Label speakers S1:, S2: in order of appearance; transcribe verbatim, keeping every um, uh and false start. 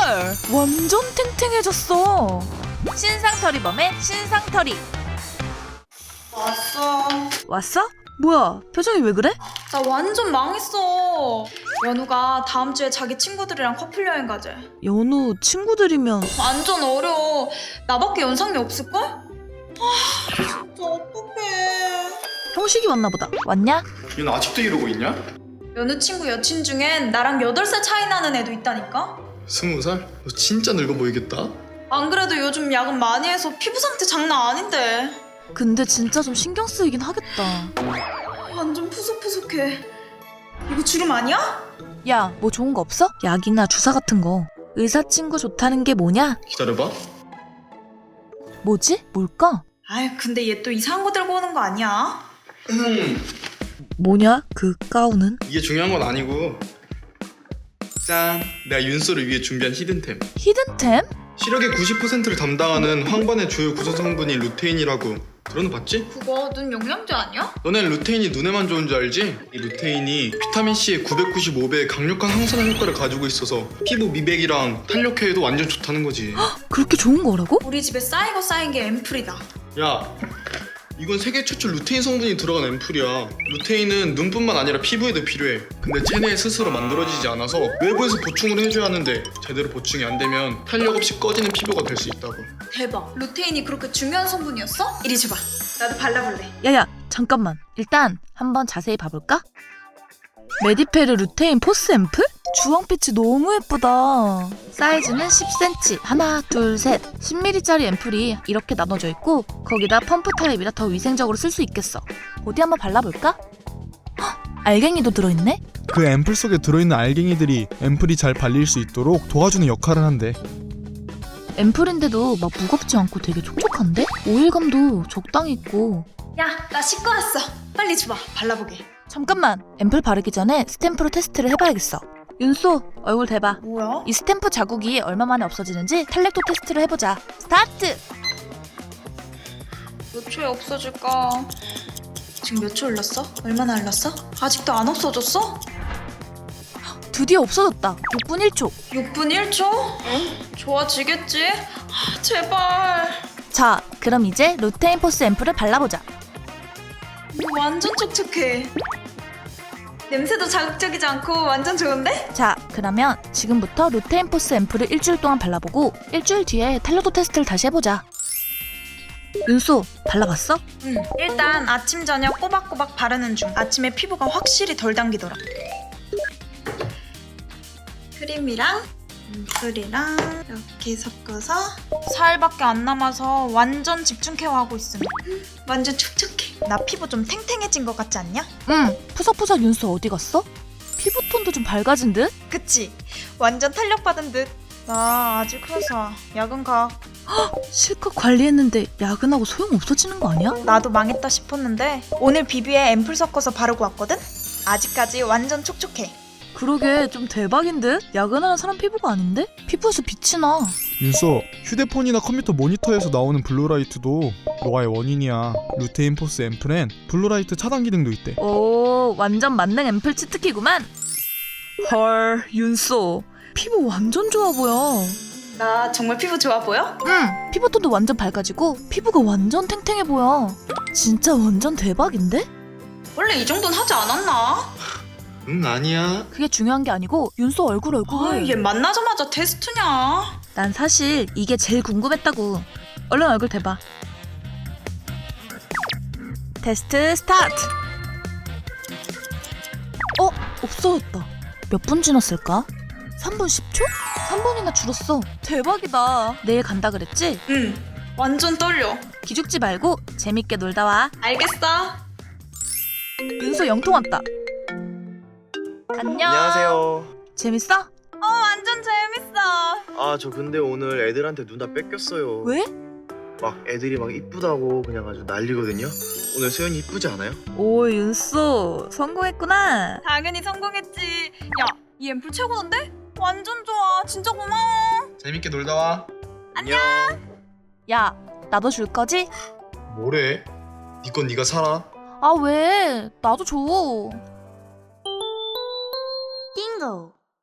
S1: 헐, 완전 탱탱해졌어. 신상털이범의 신상털이.
S2: 왔어.
S1: 왔어? 뭐야, 표정이 왜 그래?
S2: 나 완전 망했어. 연우가 다음 주에 자기 친구들이랑 커플 여행 가재.
S1: 연우 친구들이면
S2: 완전 어려워. 나밖에 연상이 없을걸? 아, 진짜 어떡해.
S1: 형식이 왔나 보다. 왔냐?
S3: 얘는 아직도 이러고 있냐?
S2: 연우 친구 여친 중엔 나랑 여덟 살 차이 나는 애도 있다니까?
S3: 스무 살? 너 진짜 늙어 보이겠다.
S2: 안 그래도 요즘 야근 많이 해서 피부 상태 장난 아닌데.
S1: 근데 진짜 좀 신경 쓰이긴 하겠다.
S2: 완전 푸석푸석해. 이거 주름 아니야?
S1: 야, 뭐 좋은 거 없어? 약이나 주사 같은 거. 의사 친구 좋다는 게 뭐냐?
S3: 기다려봐.
S1: 뭐지? 뭘까?
S2: 아이 근데 얘 또 이상한 거 들고 오는 거 아니야?
S3: 음,
S1: 뭐냐? 그 가운은?
S3: 이게 중요한 건 아니고. 짠! 내가 윤소를 위해 준비한 히든템.
S1: 히든템?
S3: 시력의 구십 퍼센트를 담당하는 황반의 주요 구성 성분이 루테인이라고. 들어는 봤지?
S2: 그거 눈 영양제 아니야?
S3: 너넨 루테인이 눈에만 좋은 줄 알지? 이 루테인이 비타민C의 구백구십오 배의 강력한 항산화 효과를 가지고 있어서 피부 미백이랑 탄력 회에도 완전 좋다는 거지.
S1: 그렇게 좋은 거라고?
S2: 우리 집에 쌓이고 쌓인 게 앰플이다.
S3: 야, 이건 세계 최초 루테인 성분이 들어간 앰플이야. 루테인은 눈뿐만 아니라 피부에도 필요해. 근데 체내에 스스로 만들어지지 않아서 외부에서 보충을 해줘야 하는데 제대로 보충이 안 되면 탄력 없이 꺼지는 피부가 될 수 있다고.
S2: 대박. 루테인이 그렇게 중요한 성분이었어? 이리 줘봐. 나도 발라볼래.
S1: 야야, 잠깐만. 일단 한번 자세히 봐볼까? 메디페르 루테인 포스 앰플? 주황빛이 너무 예쁘다. 사이즈는 십 센티미터, 하나, 둘, 셋. 십 밀리리터짜리 앰플이 이렇게 나눠져 있고 거기다 펌프 타입이라 더 위생적으로 쓸 수 있겠어. 어디 한번 발라볼까? 헉, 알갱이도 들어있네?
S4: 그 앰플 속에 들어있는 알갱이들이 앰플이 잘 발릴 수 있도록 도와주는 역할을 한대.
S1: 앰플인데도 막 무겁지 않고 되게 촉촉한데? 오일감도 적당히 있고.
S2: 야, 나 씻고 왔어. 빨리 줘봐. 발라보게.
S1: 잠깐만, 앰플 바르기 전에 스탬프로 테스트를 해봐야겠어. 윤소, 얼굴 대봐.
S2: 뭐야?
S1: 이 스탬프 자국이 얼마 만에 없어지는지 탄력도 테스트를 해보자. 스타트!
S2: 몇 초에 없어질까? 지금 몇 초 흘렀어? 얼마나 흘렀어? 아직도 안 없어졌어?
S1: 드디어 없어졌다. 육 분 일 초.
S2: 육 분 일 초? 응? 좋아지겠지? 아, 제발.
S1: 자, 그럼 이제 루테인 포스 앰플을 발라보자.
S2: 이거 완전 촉촉해. 냄새도 자극적이지 않고 완전 좋은데?
S1: 자, 그러면 지금부터 루테인 포스 앰플을 일주일 동안 발라보고 일주일 뒤에 탄력도 테스트를 다시 해보자. 윤소, 발라봤어?
S2: 응. 일단 아침 저녁 꼬박꼬박 바르는 중. 아침에 피부가 확실히 덜 당기더라. 크림이랑 앰플이랑 이렇게 섞어서 사일밖에 안 남아서 완전 집중 케어하고 있음. 완전 촉촉해. 나 피부 좀 탱탱해진 것 같지 않냐?
S1: 응, 푸석푸석 윤소 어디 갔어? 피부톤도 좀 밝아진 듯?
S2: 그치? 완전 탄력 받은 듯. 나 아직 회사 야근 가.
S1: 실컷 관리했는데 야근하고 소용 없어지는 거 아니야?
S2: 나도 망했다 싶었는데 오늘 비비에 앰플 섞어서 바르고 왔거든? 아직까지 완전 촉촉해.
S1: 그러게 좀 대박인 듯? 야근하는 사람 피부가 아닌데? 피부에서 빛이 나.
S4: 윤소, 휴대폰이나 컴퓨터 모니터에서 나오는 블루라이트도 노화의 원인이야. 루테인 포스 앰플엔 블루라이트 차단 기능도 있대.
S1: 오, 완전 만능 앰플 치트키구만. 헐, 윤소 피부 완전 좋아 보여.
S2: 나 정말 피부 좋아 보여?
S1: 응, 피부톤도 완전 밝아지고 피부가 완전 탱탱해 보여. 진짜 완전 대박인데?
S2: 원래 이 정도는 하지 않았나?
S3: 응, 아니야.
S1: 그게 중요한 게 아니고 윤소 얼굴 얼굴.
S2: 아, 얘 만나자마자 테스트냐?
S1: 난 사실 이게 제일 궁금했다고. 얼른 얼굴 대봐. 테스트 스타트. 어? 없어졌다. 몇 분 지났을까? 삼 분 십 초? 삼 분이나 줄었어. 대박이다. 내일 간다 그랬지?
S2: 응. 완전 떨려.
S1: 기죽지 말고 재밌게 놀다 와.
S2: 알겠어.
S1: 윤소 영통 왔다. 안녕.
S5: 안녕하세요.
S1: 재밌어?
S2: 어, 완전 재밌어.
S5: 아, 저 근데 오늘 애들한테 누나 뺏겼어요.
S1: 왜?
S5: 막 애들이 막 이쁘다고 그냥 아주 난리거든요. 오늘 소연이 이쁘지 않아요?
S1: 오, 윤소 성공했구나.
S2: 당연히 성공했지. 야, 이 앰플 최고던데? 완전 좋아. 진짜 고마워.
S3: 재밌게 놀다 와.
S5: 안녕.
S1: 야, 나도 줄 거지?
S3: 뭐래? 네 건 네가 사라.
S1: 아, 왜? 나도 줘.
S6: 띵고